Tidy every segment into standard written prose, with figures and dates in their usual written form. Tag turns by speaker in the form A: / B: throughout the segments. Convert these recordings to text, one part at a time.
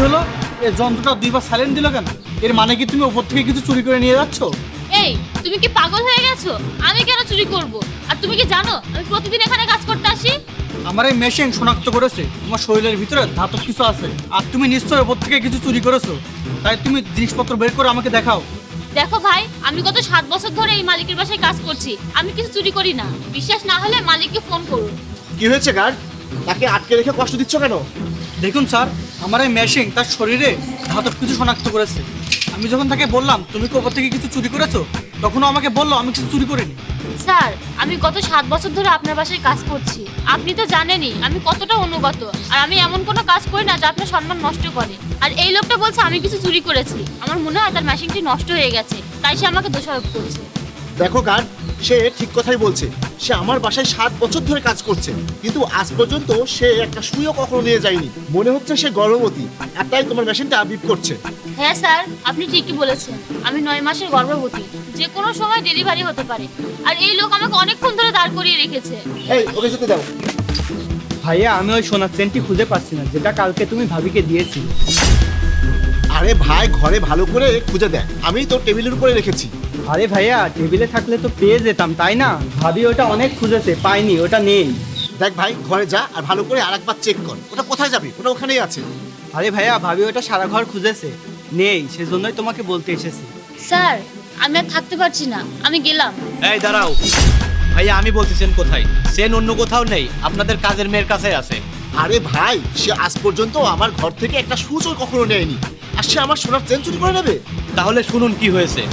A: হলো? এই যন্ত্রটা দুইবার সাইলেন্ট দিল কেন? এর মানে কি তুমি উপর থেকে কিছু চুরি করে নিয়ে যাচ্ছ?
B: এই, তুমি কি পাগল হয়ে গেছো? আমি কেন চুরি করব? আর তুমি কি জানো আমি প্রতিদিন এখানে কাজ করতে আসি?
A: আমার এই মেশিন শনাক্ত করেছে তোমার শরীরের ভিতরে ধাতব কিছু আছে, আর তুমি নিশ্চয়ই উপর থেকে কিছু চুরি করেছো। তাই তুমি জিনিসপত্র বের করে আমাকে দেখাও।
B: দেখো ভাই, আমি গত 7 বছর ধরে এই মালিকের বাসায় কাজ করছি। আমি কিছু চুরি করি না। বিশ্বাস না হলে মালিককে ফোন করুন।
C: কি হয়েছে গার্ড? তাকে আটকে রেখে কষ্ট দিচ্ছ কেন?
A: দেখুন স্যার, আমার এই মেশিন তার শরীরে ধাতব কিছু শনাক্ত করেছে। আমি যখন তাকে বললাম তুমি কি উপর থেকে কিছু চুরি করেছো, তখনও আমাকে বললো আমি কিছু চুরি করিনি।
B: স্যার, আমি গত 7 বছর ধরে আপনার বাসায় কাজ করছি। আপনি তো জানেনই আমি কতটা অনুগত। আর আমি এমন কোনো কাজ করি না যা আপনার সম্মান নষ্ট করে। আর এই লোকটা বলছে আমি কিছু চুরি করেছি। আমার মনে হয় তার মেশিনটি নষ্ট হয়ে গেছে, তাই সে আমাকে দোষারোপ করছে।
C: দেখো গার্ড, সে ঠিক কথাই বলছে। সে আমার বাসায় 7 বছর ধরে কাজ করছে, কিন্তু আজ পর্যন্ত সে একটা সুইও কখনো নিয়ে যায়নি। মনে হচ্ছে সে গর্ভবতী, আর তাই তোমার মেশিনটা বিপ করছে।
B: হ্যাঁ স্যার, আপনি ঠিকই বলেছেন। আমি 9 মাসের গর্ভবতী, যে কোনো সময় ডেলিভারি হতে পারে। আর এই লোক আমাকে অনেকক্ষণ ধরে দাঁড় করিয়ে রেখেছে।
C: এই, ওকে যেতে দাও।
A: ভাইয়া, আমি ওই সোনার চেনটি খুঁজে পাচ্ছি না যেটা কালকে তুমি ভাবিকে দিয়েছিলে।
C: আরে ভাই, ঘরে ভালো করে খুঁজে দেখ, আমি তো টেবিলের উপরে রেখেছি।
A: আরে ভাইয়া, টেবিলে থাকলে তো পেয়ে যেতাম, তাই না? ভাবি ওটা অনেক খুঁজেছে, পাইনি, ওটা নেই।
C: দেখ ভাই, ঘরে যা আর ভালো করে আরেকবার চেক কর। ওটা কোথায় যাবে? ওটা ওখানেই আছে।
A: আরে ভাইয়া, ভাবি ওটা সারা ঘর খুঁজেছে, নেই, সেজন্যই তোমাকে বলতে এসেছি।
B: স্যার, আমি আর থাকতে পারছি না, আমি গেলাম।
D: এই দাঁড়াও ভাইয়া, আমি বলতেছেন কোথায়? সেন অন্য কোথাও নেই, আপনাদের কাজের মেয়ের কাছে আছে।
C: আরে ভাই, সে আজ পর্যন্ত আমার ঘর থেকে একটা সুচও কখনো নেয়নি, আর সে আমার সোনার চেন চুরি করে নেবে?
D: তাহলে শুনুন কি হয়েছে।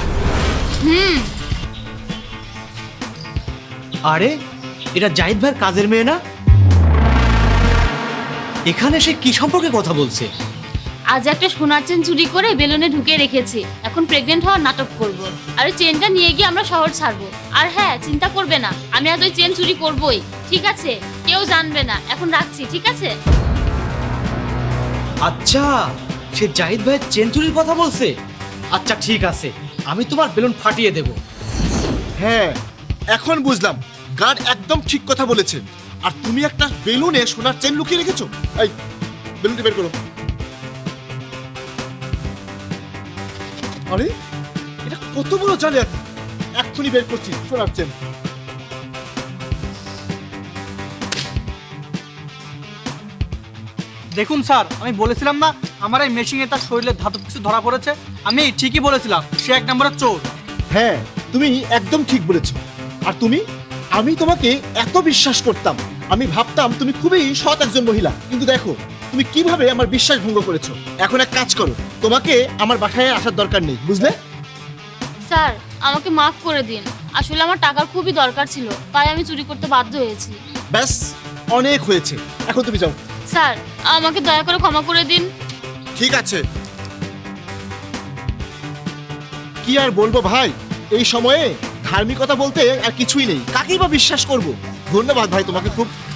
D: আরে, এটা জাহিদ ভাইয়ের কাজের মেয়ে না? এখানে সে কি সম্পর্কে কথা বলছে?
B: আজ একটা সোনার চেন চুরি করে বেলুনে ঢুকে রেখেছি। এখন প্রেগনেন্ট হওয়ার নাটক করব। আর ওই চেনটা নিয়ে গিয়ে আমরা শহর ছাড়বো। আর হ্যাঁ, চিন্তা করবে না, আমি আজ ওই চেন চুরি করবই। ঠিক আছে? কেউ জানবে না। এখন রাখছি, ঠিক আছে?
D: আচ্ছা, সে জাহিদ ভাইয়ের চেন চুরির কথা বলছে। আচ্ছা ঠিক আছে, আমি তোমার বেলুন ফাটিয়ে দেব।
C: হ্যাঁ, এখন বুঝলাম। গার্ড একদম ঠিক কথা বলেছে। আর তুমি একটা বেলুনে সোনার চেন লুকিয়ে রেখেছো। এই, বেলুনটি বের করো। আরে, এটা কত বড় জালিয়াতি! এক্ষুনি বের করছি সোনার চেন।
A: দেখুন স্যার, আমি বলেছিলাম না আমার এই মেশিনে তার শরীরে ধাতব কিছু ধরা পড়েছে? আমি ঠিকই বলেছিলাম, সে এক নম্বরের চোর।
C: হ্যাঁ, তুমি একদম ঠিক বলেছো। আর আমি তোমাকে এত বিশ্বাস করতাম। আমি ভাবতাম তুমি খুবই সৎ একজন মহিলা, কিন্তু দেখো তুমি কিভাবে আমার বিশ্বাস ভঙ্গ করেছো। এখন এক কাজ করো, তোমাকে আমার বাসায় আসার দরকার নেই, বুঝলে?
B: স্যার, আমাকে মাফ করে দিন। আসলে আমার টাকার খুবই দরকার ছিল, তাই আমি চুরি করতে বাধ্য হয়েছি।
C: ব্যাস, অনেক হয়েছে, এখন তুমি যাও।
B: স্যার, আমাকে দয়া করে ক্ষমা করে দিন।
C: ঠিক আছে। কি আর বলবো ভাই, এই সময়ে ধার্মিকতা বলতে আর কিছুই নেই। কাকেই বা বিশ্বাস করব? ধন্যবাদ ভাই তোমাকে, খুব